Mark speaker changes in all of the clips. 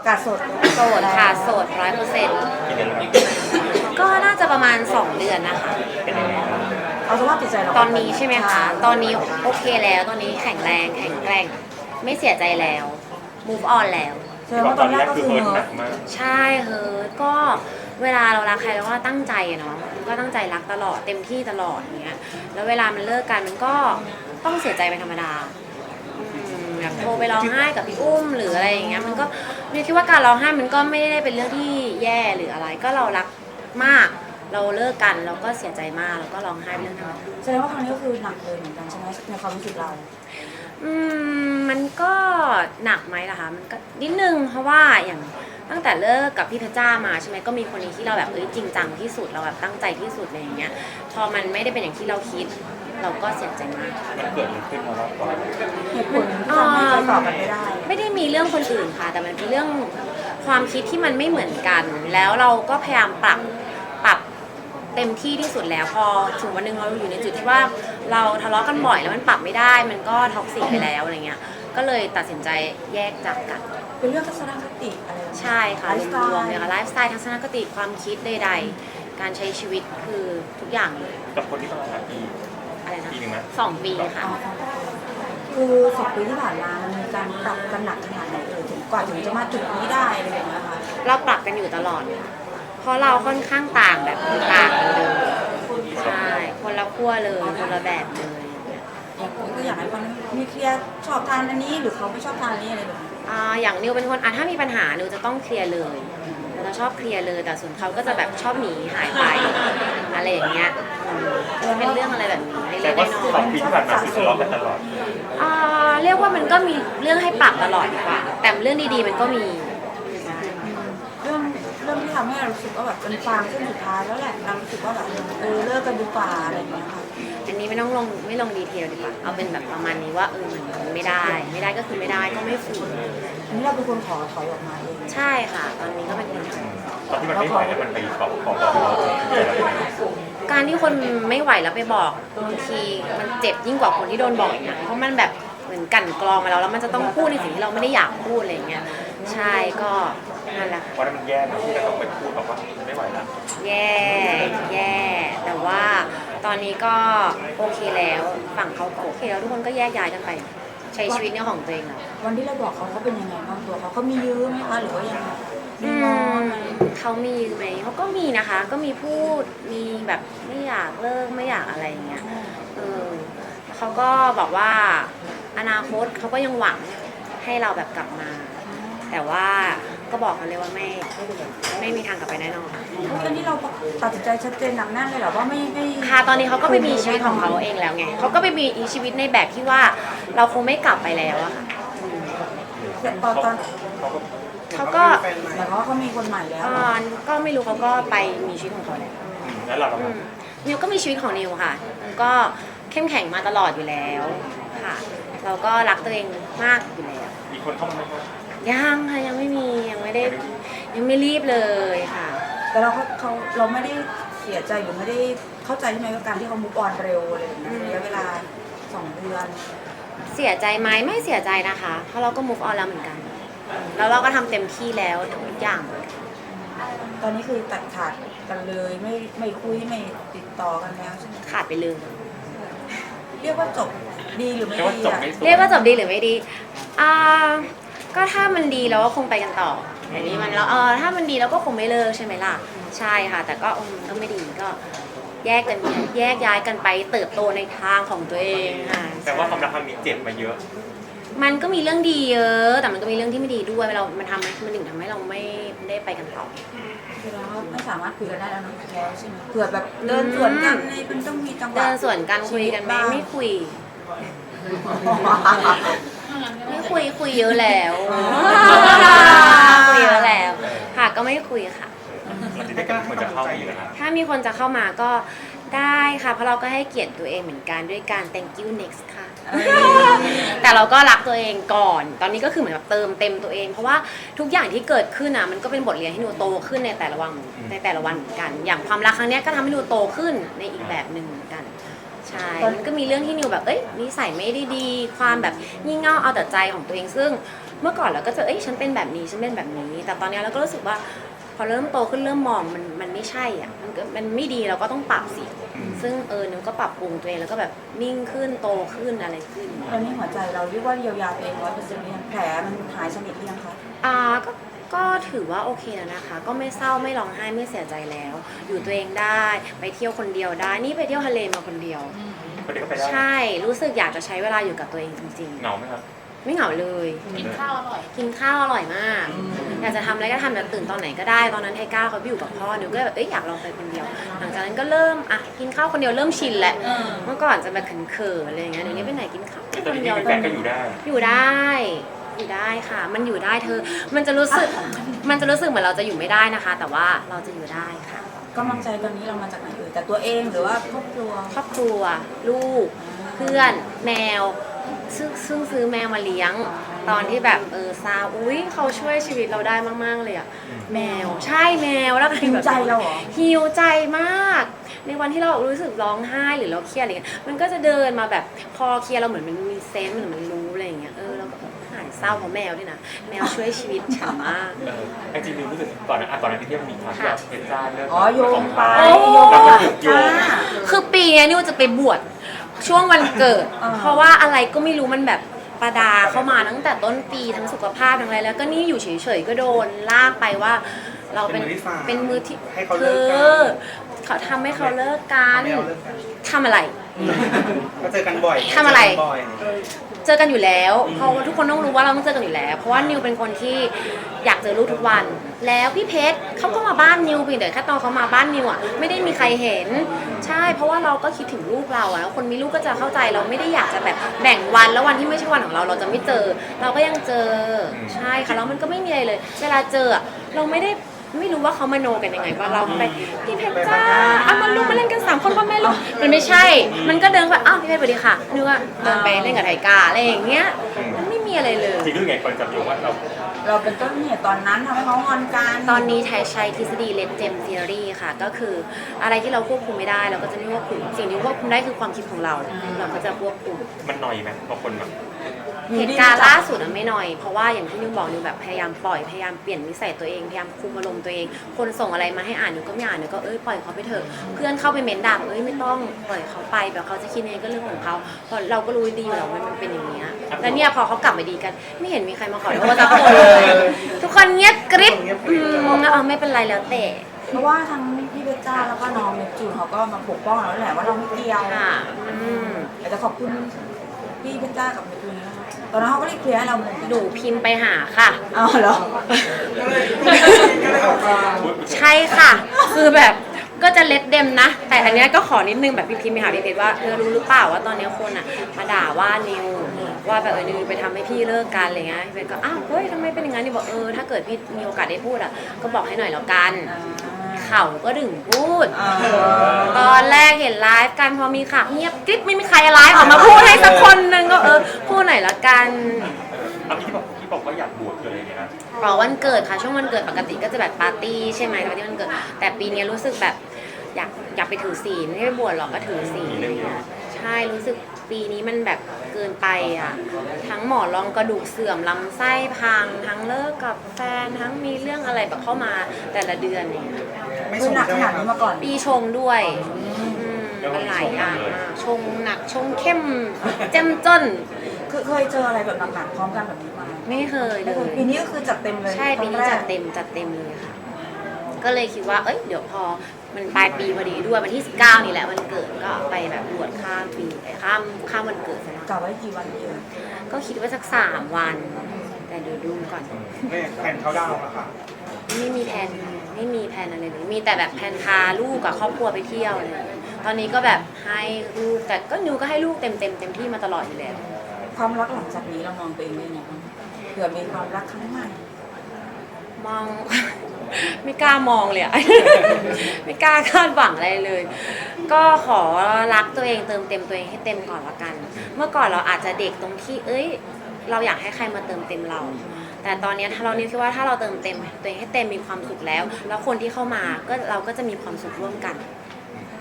Speaker 1: กาดสด
Speaker 2: ค่ะโสด100%
Speaker 3: กี่เดือนแล้วครับ
Speaker 2: ก็น่าจะประมาณ2 เดือนนะคะ
Speaker 3: เป็นยังไงบ้าง
Speaker 1: เอาสภาพจิตใจเรา
Speaker 2: ตอนนี้ใช่ไหมคะ ตอนนี้โอเคแล้วตอนนี้แข็งแรงแข็งแกร่งไม่เสียใจแล้ว move on แล้ว
Speaker 1: แสดงว่าตอนแรกก็คือ
Speaker 3: เฮิร์ต
Speaker 1: เฮิ
Speaker 3: หนั
Speaker 1: ร์ต
Speaker 3: กมาก
Speaker 2: ใช่เฮ้ยก็เวลาเรารักใครเราก็ตั้งใจอะเนาะก็ตั้งใจรักตลอดเต็มที่ตลอดอย่างเงี้ยแล้วเวลามันเลิกกันมันก็ต้องเสียใจเป็นธรรมดาแบบโทรไปร้องไห้กับพี่อุ้มหรืออะไรอย่างเงี้ยมันก็เนี่ยคิดว่าการร้องไห้มันก็ไม่ได้เป็นเรื่องที่แย่หรืออะไร ก็เรารักมากเราเลิกกันเราก็เสียใจมากแล้วก็ร้องไห้เป็นเรื่องธรรมดา
Speaker 1: แสดงว่าครั้งนี้ก็คือหนักเลยเหมือนกันใช่ไหมในความรู้สึกเรา
Speaker 2: มันก็หนักไหมล่ะคะมันก็นิดนึงเพราะว่าอย่างตั้งแต่เลิกกับพี่เพชรจ้ามาใช่ไหมก็มีคนนี้ที่เราแบบจริงจังที่สุดเราแบบตั้งใจที่สุดอะไรอย่างเงี้ยพอมันไม่ได้เป็นอย่างที่เราคิดเราก็เสียใจมาก
Speaker 3: มันเกิดอะไรขึ้นมาบ้างก่อน
Speaker 1: เหตุผลที่ทำให้ใจต่อกันไม่ได้
Speaker 2: ไม่ได้มีเรื่องคนอื่นค่ะแต่มันเป็นเรื่องความคิดที่มันไม่เหมือนกัน แล้วเราก็พยายามปรับเต็มที่ที่สุดแล้วพอถึงวันหนึงเราอยู่ในจุดที่ว่าเราทะเลาะกันบ่อยแล้วมันปรับไม่ได้มันก็ท็อกซิกไปแล้วอะไรเงี้ยก็เลยตัดสินใจแยกจากกัน
Speaker 1: เป็นเรื่องทัศนคติอะไรแบบนี้
Speaker 2: ใช่ค่ะ
Speaker 1: ไลฟ์สไตล์
Speaker 2: รวมๆเลยค่ะไลฟ์สไตล์ทัศนคติความคิดใดๆการใช้ชีวิตคือทุกอย่างเลย
Speaker 3: กับคนที่ประมาณปี
Speaker 2: อะไรนะ
Speaker 3: ปีหนึ่งไหม
Speaker 2: 2 ปีค่ะ
Speaker 1: คือ2 ปีที่ผ่านมามันมีการปรับกันหนักขนาดไหนถึงกว่าถึงจะมาจุดนี้ได้อะไรอย่างเงี้ยค่ะ
Speaker 2: เราปรับกันอยู่ตลอดเพราะเราค่อนข้างต่างแบบต่างกันเลยใช่คนละขั้วเลยคนละแบบเลย
Speaker 1: ก็อยากให้คนมีเคลียร์ชอบทานอันนี้หรือเขาไม่ชอบทานอันนี้อะไรแบบนี้
Speaker 2: อย่างนิวเป็นคนถ้ามีปัญหานิวจะต้องเคลียร์เลยเราจะชอบเคลียร์เลยแต่ส่วนเขาก็จะแบบชอบหนีหายไปอะไรอย่างเงี้ยจะเป็นเรื่องอะไรแบบนี้เล็
Speaker 3: แต่
Speaker 2: กๆ
Speaker 3: ว่า
Speaker 2: น้อย
Speaker 3: 2 ปีที่ผ่านมาคือทะเลาะกันตลอด
Speaker 2: เรียกว่ามันก็มีเรื่องให้ปรับตลอดดีกว่าแต่เรื่องดีๆมันก็มี
Speaker 1: เรื่องที่ทำให้เรารู้สึกว่าแบบเป็นฟางเส้นสุดท้ายแล้วแหละเรารู้สึกว่าแบบเลิกกันดีกว่าอะไรอย่างเงี้ยค่ะ
Speaker 2: อันนี้ไม่ลงดีเทลดีกว่าเอาเป็นแบบประมาณนี้ว่ามันไม่ได้ก็คือไม่ได้ก็ไม่ฝืน
Speaker 1: อันนี้เราเป็นคนขอถอยออกมาเอง
Speaker 2: ใช่ค่ะตอนนี้ก็เป็นคนท
Speaker 3: ตอนที่มันไม่ไหวแล้วมันไปขอบอกเราใจเรายังไง
Speaker 2: ำการที่คนไม่ไหวแล้วไปบอกบางทีมันเจ็บยิ่งกว่าคนที่โดนบอกอีกนะเพราะมันแบบเหมือนกลั่นกรองมาแล้วมันจะต้องพูดในสิ่งที่เราไม่ได้อยากพูดอะไรอย่างเงี้ยใช่ก็นั่นแหละ
Speaker 3: วันนั้นมันแย่นะที่เราต้องไปพูดบอกว่าไม่ไหวแล้ว
Speaker 2: แย่แต่ว่าตอนนี้ก็โอเคแล้วฝั่งเขาก็โอเคแล้วทุกคนก็แยกย้ายกันไป ใช้ชีวิตเนี่ยของตัวเองแล้ว
Speaker 1: วันที่เราบอกเขาเป็นยังไงบ้างตัวเขามียื้อไหมคะหรือว่ายังไงมี
Speaker 2: อื
Speaker 1: งอ
Speaker 2: ม
Speaker 1: ไหม
Speaker 2: เขามีไหมเขาก็มีนะคะ ก็มีพูดมีแบบไม่อยากเลิกไม่อยากอะไรอย่างเงี้ยเขาก็บอกว่าอนาคตเขาก็ยังหวังให้เราแบบกลับมา แต่ว่าก็บอกกันเลยว่าไม่มีทางกลับไปแน่นอน
Speaker 1: อันนี้เราตัดสินใจชัดเจนหนักแน่นเลยเหรอว่าไม่
Speaker 2: ค่ะตอนนี้เขาก็ไปมีชีวิตของเขาเองแล้วไงเขาก็ไปมีชีวิตในแบบที่ว่าเราคงไม่กลับไปแล้วอะค่ะ
Speaker 1: ตอน
Speaker 2: เขาก็
Speaker 1: หมายความว่าเขามีคนใหม่แล้ว
Speaker 2: ก็ไม่รู้เขาก็ไปมีชีวิตของเขาแล้ว
Speaker 3: แล้วเรา
Speaker 2: นิวก็มีชีวิตของนิวค่ะนิวก็เข้มแข็งมาตลอดอยู่แล้วค่ะ เราก็รักตัวเองมากอยู่แล้ว
Speaker 3: มีคนเข้ามาไหมครับ
Speaker 2: ยังค่ะยังไม่มียังไม่รีบเลยค่ะ
Speaker 1: แต่เราไม่ได้เสียใจหรือไม่ได้เข้าใจใช่ไหมกับการที่เขามุกออนเร็วอะไรแบบนี้ระยะเวลา2 เดือน
Speaker 2: เสียใจไหมไม่เสียใจนะคะ เพราะเราก็ move on แล้วเหมือนกัน แล้วเราก็ทำเต็มที่แล้วทุกอย่าง
Speaker 1: ตอนนี้คือตัดขาดกันเลยไม่คุยไม่ติดต่อกันแล้วใช่ไหม
Speaker 2: ขาดไปเลย
Speaker 1: เรียกว่าจบดีหรือไม่
Speaker 3: เรียกว่า
Speaker 1: ดี
Speaker 3: จบ
Speaker 1: อะ
Speaker 3: ไม่สวย
Speaker 2: เรียกว่าจบดีหรือไม่ดีก็ถ้ามันดีเราก็คงไปกันต่ออย่างนี้มันแล้วถ้ามันดีเราก็คงไม่เลิกใช่ไหมล่ะ ใช่ค่ะ แต่ก็ก็ไม่ดีก็แยกย้ายกันไปเติบโตในทางของตัวเองค่ะ
Speaker 3: แต่ว่าความรักครั้งนี้เจ็บมาเยอะ
Speaker 2: มันก็มีเรื่องดีเยอะ แต่มันก็มีเรื่องที่ไม่ดีด้วยมันถึงทำให้เราไม่ได้ไปกันต่อ
Speaker 1: คือเราไม่สามารถคุยกันได้แล้วเนอะแล้วใช่ไหมเผื่อแบบเดินสวนกันในมันต้องมีจังหวะ
Speaker 2: เดินสวนกันคุยกันไหมไม่คุย ไม่คุยเยอะแล้วคุยเยอะแล้วค่ะก็ไม่คุยค่ะ
Speaker 3: มันจะได้กันคนจะเข้ามาอยู่นะครับ
Speaker 2: ถ้ามีคนจะเข้ามาก็ได้ค่ะ เพราะเราก็ให้เกียรติตัวเองเหมือนกันด้วยการ thank you next ค่ะ แต่เราก็รักตัวเองก่อน ตอนนี้ก็คือเหมือนแบบเติมเต็มตัวเอง เพราะว่าทุกอย่างที่เกิดขึ้นอ่ะมันก็เป็นบทเรียนให้หนูโตขึ้นในแต่ละวันเหมือนกัน อย่างความรักครั้งเนี้ยก็ทำให้หนูโตขึ้นในอีกแบบหนึ่งเหมือนกันใช่ มันก็มีเรื่องที่นิวแบบนิสัยไม่ได้ดีความแบบงี่เง่าเอาแต่ใจของตัวเองซึ่งเมื่อก่อนเราก็จะฉันเป็นแบบนี้ฉันเป็นแบบนี้ แต่ตอนนี้เราก็รู้สึกว่าพอเริ่มโตขึ้นเริ่มมองมันไม่ใช่อ่ะมันไม่ดีเราก็ต้องปรับสิซึ่งนิวก็ปรับปรุงตัวเองแล้วก็แบบนิ่งขึ้นโตขึ้นอะไรขึ้น
Speaker 1: ตอนนี้หัวใจเราเรียกว่าเยียวยาตัวเอง100%ยังแผลมันหายสนิทหรือยังคะ
Speaker 2: ก็ถือว่าโอเคแล้วนะคะ ก็ไม่เศร้าไม่ร้องไห้ไม่เสียใจแล้ว อยู่ตัวเองได้ไปเที่ยวคนเดียวได้นี่ไปเที่ยวทะเลมาคนเดียว
Speaker 3: คนเดียวก็ไปได้
Speaker 2: ใช่รู้สึกอยากจะใช้เวลาอยู่กับตัวเองจริง
Speaker 3: เหงาไหมครับ
Speaker 2: ๆ ไม่เหงาเลย
Speaker 4: กินข้าวอร่อย
Speaker 2: กินข้าวอร่อยมาก อยากจะทำอะไรก็ทำแบบตื่นตอนไหนก็ได้ ตอนนั้นไทก้าเขาไปอยู่กับพ่อนิวก็เลยแบบอยากลองไปคนเดียว หลังจากนั้นก็เริ่มกินข้าวคนเดียวเริ่มชินแหละเมื่อก่อนจะแบบเขินๆอะไรอย่างเงี้ยเดี๋ยวนี้ไปไหนกินข้าว
Speaker 3: แต่ต
Speaker 2: ค
Speaker 3: อน
Speaker 2: น
Speaker 3: นี้
Speaker 2: เดียว
Speaker 3: มีแฟนก็อยู่ได้
Speaker 2: อยู่ได้ค่ะ มันอยู่ได้เธอ มันจะรู้สึกเหมือนเราจะอยู่ไม่ได้นะคะ แต่ว่าเราจะอยู่ได้ค่ะ
Speaker 1: กำลังใจตอนนี้เรามาจากไหนแต่ตัวเองหรือว่าครอบครัว
Speaker 2: ครอบครัวลูกเพื่อนแมวซึ่งซื้อแมวมาเลี้ยง ตอนที่แบบซาเขาช่วยชีวิตเราได้มากๆเลยอะแมวใช่แมวแล้วก็
Speaker 1: หิวใจเราเหรอ
Speaker 2: หิวใจมาก ในวันที่เรารู้สึกร้องไห้หรือเราเครียดอะไรเงี้ยมันก็จะเดินมาแบบพอเครียดเราเหมือนมันมีเซนส์เหมือนมันรู้อะไรอย่างเงี้ยเราก็หายเศร้าเพราะแมวด้วยนะแมวช่วยชีวิตฉันมาก
Speaker 3: ไอจริงๆรู้สึกตอนนั้นที่เที่ยวมีความแบบเพชรจ้าเรื่อง
Speaker 1: โยงไป
Speaker 2: โยงไป
Speaker 3: โยง
Speaker 2: คือปีนี้นิวจะไปบวชช่วงวันเกิด เพราะว่าอะไรก็ไม่รู้มันแบบประดาเข้ามาตั้งแต่ต้นปีทั้งสุขภาพทั้งอะไรแล้วก็นี่อยู่เฉยๆก็โดนลากไปว่า เราเป็นมือที่
Speaker 5: ให้เขาเลิกกัน
Speaker 2: เขาทำให้เขาเลิกกันทำอะไร
Speaker 5: ก็เจอกันบ่อย
Speaker 2: ทำอะไร
Speaker 5: เจกันบ่อย
Speaker 2: เจอกันอยู่แล้วเพราะว่าทุกคนต้องรู้ว่าเราต้องเจอกันอยู่แล้ว เพราะว่านิวเป็นคนที่อยากเจอลูกทุกวัน แล้วพี่เพชรเขาก็มาบ้านนิวเพียงแต่แค่ตอนเขามาบ้านนิวอ่ะไม่ได้มีใครเห็นใช่เพราะว่าเราก็คิดถึงลูกเราอ่ะแล้วคนมีลูกก็จะเข้าใจเราไม่ได้อยากจะแบบแบ่งวันแล้ววันที่ไม่ใช่วันของเราเราจะไม่เจอ เราก็ยังเจอใช่ค่ะแล้วมันก็ไม่มีอะไรเลย เวลาเจอเราไม่รู้ว่าเขามโนกันยังไงว่าเราไปพี่เพชรจ้ามาลูกมาเล่นกัน3 คนพ่อแม่ลูกมันไม่ใช่ มันก็เดินไปพี่เพชรสวัสดีค่ะนึกว่าเดินไปเล่นกับไทกาอะไรอย่างเงี้ยมันไม่มีอะไรเลย
Speaker 3: จริงๆรู้ไงคนจับโยงว่าเรา
Speaker 1: เราเป็นต้นเหตุตอนนั้นทำให้เขางอนกัน
Speaker 2: ตอนนี้ไทยใช้ทฤษฎีเลดเจมทีอรีค่ะก็คืออะไรที่เราควบคุมไม่ได้เราก็จะไม่ควบคุมสิ่งที่ควบคุมได้คือความคิดของเราเราก็จะควบคุม
Speaker 3: มันหน่อยไหมบางคนแบบ
Speaker 2: เหตุการณ์ล่าสุดไม่น้อยเพราะว่าอย่างที่นิวบอกนิวแบบพยายามปล่อยพยายามเปลี่ยนนิสัยตัวเองพยายามคุมอารมณ์ตัวเองคนส่งอะไรมาให้อ่านนิวก็ไม่อ่านนิวก็ปล่อยเขาไปเถอะเพื่อนเข้าไปเม้นด่าไม่ต้องปล่อยเขาไปแบบเขาจะคิดยังไงก็เรื่องของเขาเพราะเราก็รู้ดีอยู่แล้วว่ามันเป็นอย่างนี้แล้วเนี่ยพอเขากลับมาดีกันไม่เห็นมีใครมาขอโทษสักคนเลยทุกคนเงียบกริบไม่เป็นไรแล้วแต่
Speaker 1: เพราะว่าทั้งพี่เพชรจ้าแล้วก็น้องเนปจูนเขาก็มาปกป้องเราแหละว่าเราไม่เกี่ยว
Speaker 2: ค่ะ
Speaker 1: อยากจะขอบคุณพี่เพชรจ้ากับเนปจูนนะคะตอนนั้นเขาก็รีบเคลียร์ให้เราเหมือนกัน
Speaker 2: หนูพิมพ์ไปหาค่ะ
Speaker 1: เอาเหรอ
Speaker 5: ก็เลยออกมา
Speaker 2: ใช่ค่ะ คือแบบก็จะเล็ดเดมนะ แต่อันเนี้ยก็ขอนิดนึงแบบพี่พิมพ์ไปหาพี่เพชรว่ารู้หรือเปล่าว่าตอนเนี้ยคนอ่ะมาด่าว่านิวว่าแบบนิวไปทำให้พี่เลิกกันอะไรเงี้ยพี่เพชรก็เฮ้ยทำไมเป็นอย่างนั้นนิวบอกถ้าเกิดพี่มีโอกาสได้พูดอ่ะก็บอกให้หน่อยแล้วกัน เขาก็ถึงพูด ตอนแรกเห็นไลฟ์กันพอมีข่าวเงียบกริบไม่มีใครไลฟ์ออกมาพูดให้สักคนนึงก็พูดหน่อยละกัน
Speaker 3: เอาที่บอกว่าอยากบวชคืออะไรเนี่ยนะ
Speaker 2: วันเกิดค่ะช่วงวันเกิดปกติก็จะแบบปาร์ตี้ใช่ไหมปาร์ตี้วันเกิดแต่ปีนี้รู้สึกแบบอยากไปถือศีลไม่ได้บวชหรอกก็ถือศีลใช่รู้สึกปีนี้มันแบบเกินไปอ่ะทั้งหมอนรองกระดูกเสื่อมลำไส้พังทั้งเลิกกับแฟนทั้งมีเรื่องอะไรแบบเข้ามาแต่ละเดือนเนี่ย
Speaker 5: ไม่
Speaker 1: คือ
Speaker 5: ส่ง
Speaker 1: หนัก
Speaker 5: ใช่
Speaker 1: ข
Speaker 5: ไหม
Speaker 1: นาด
Speaker 5: ครั
Speaker 1: นี้
Speaker 5: บ
Speaker 1: มาก่อน
Speaker 2: ปีชงด้วยมันหลายอย่างมากชงหนักชงเข้มเจ้มจน
Speaker 1: เคยเจออะไรแบบหนักๆพร้อมกันแบบนี้มา
Speaker 2: ไม่เคยเล
Speaker 1: ไม่เคย
Speaker 2: ย
Speaker 1: ปีนี้ก็คือจัดเต็มเลย
Speaker 2: ใช่ปีนี้
Speaker 1: ครั้งแร
Speaker 2: จั
Speaker 1: ก
Speaker 2: ดเต็มเลยค่ะ ก็เลยคิดว่าเดี๋ยวพอมันปลายปีพอดีด้วยวันที่19นี่แหละวันเกิดก็ไปแบบบวชข้ามปีข้ามวันเกิดซะนะ
Speaker 1: กะไว้กี่วันดีเอ่ย
Speaker 2: ก็คิดว่าสัก3 วัน แต่เดี๋ยวดูก่อน
Speaker 5: ไม่แผนเขาดาวน์อะค่ะ
Speaker 2: ไม่มีแผนอะไรเลยมีแต่แบบแผนพาลูกกับครอบครัวไปเที่ยวเลยตอนนี้ก็แบบให้ลูกแต่ก็นิวก็ให้ลูกเต็มที่มาตลอดอยู่แล้ว
Speaker 1: ความรักหลังจากนี้เรามองตัวเองได้ยังไงบ้างเผื่อมีความรักครั้งใหม่
Speaker 2: มอง ไม่กล้ามองเลยอะ ไม่กล้าคาดหวังอะไรเลย ก็ขอรักตัวเองเติมเต็มตัวเองให้เต็มก่อนละกัน เมื่อก่อนเราอาจจะเด็กตรงที่เราอยากให้ใครมาเติมเต็มเรา แต่ตอนนี้ถ้าเรานี่คิดว่าถ้าเราเติมเต็มตัวเองให้เต็มมีความสุขแล้วคนที่เข้ามาก็เราก็จะมีความสุขร่วมกัน
Speaker 1: ม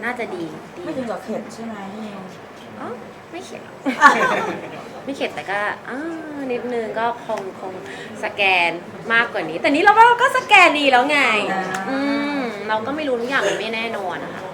Speaker 2: น่าจะดี
Speaker 1: ไม่ถึงกับเข็ดใช่ไหมนิว
Speaker 2: อ๋อไม่เข็ดหรอก ไม่เข็ดแต่ก็นิดนึงก็คงสแกนมากกว่านี้ แต่นี้เราก็สแกนดีแล้วไง เราก็ไม่รู้ทุกอย่างมันไม่แน่นอนนะคะ